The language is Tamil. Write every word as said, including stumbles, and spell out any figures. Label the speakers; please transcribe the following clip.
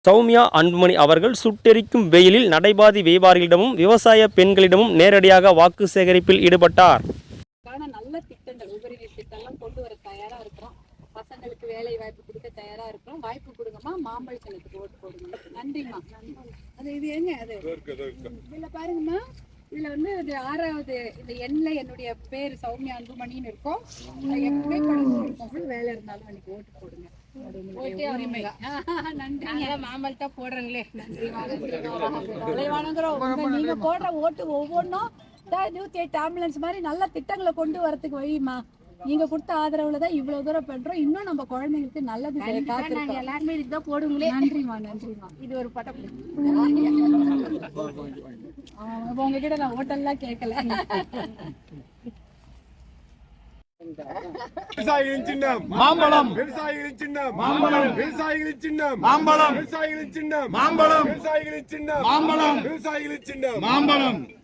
Speaker 1: சௌமியா அன்புமணி அவர்கள் சுட்டெரிக்கும் வெயிலில் நடைபாதை வியாபாரிகளிடமும் விவசாய பெண்களிடமும் நேரடியாக வாக்கு சேகரிப்பில் ஈடுபட்டார்.
Speaker 2: நல்ல திட்டங்கள் உபரி திட்டம்லாம் கொண்டு வர தயாரா இருக்கிறோம். பசங்களுக்கு வேலை வாய்ப்பு கொடுக்க தயாரா இருக்கிறோம். வாய்ப்பு கொடுங்கம்மா, மாம்பழத்தினத்துக்கு ஓட்டு போடுங்க. நன்றிம்மா. அது இது ஏங்க அது இதுல பாருங்கம்மா, இதுல வந்து இது ஆறாவது இந்த எண்ணில என்னுடைய பேர் சௌமியா அன்புமணின்னு இருக்கும். எப்பவுமே படம் வேலை இருந்தாலும் அன்னைக்கு ஓட்டு போடுங்க. மாம்பழத்தா போடுறீங்களே, நன்றி. நீங்க போடுற ஓட்டு ஒவ்வொன்றும் நூத்தி எட்டு ஆம்புலன்ஸ் மாதிரி நல்ல திட்டங்களை கொண்டு வரதுக்கு வழிமா. நீங்க கொடுத்த ஆதரவுலதான் இவ்வளவு தூரம் பண்றோம். இன்னும் நம்ம குழந்தைங்களுக்கு நல்லது எல்லாருமே இதுதான் போடுங்களே. நன்றிமா, நன்றிமா. இது ஒரு பட்டம். உங்ககிட்ட நான் ஓட்டெல்லாம் கேட்கல.
Speaker 3: விவசாயிகளின் சின்னம் மாம்பழம், விவசாயிகளின் சின்னம் மாம்பழம், விவசாயிகளின் சின்னம் மாம்பழம், விவசாயிகளின் சின்னம் மாம்பழம், விவசாயிகளின் சின்னம் மாம்பழம், விவசாயிகளின் சின்னம் மாம்பழம்.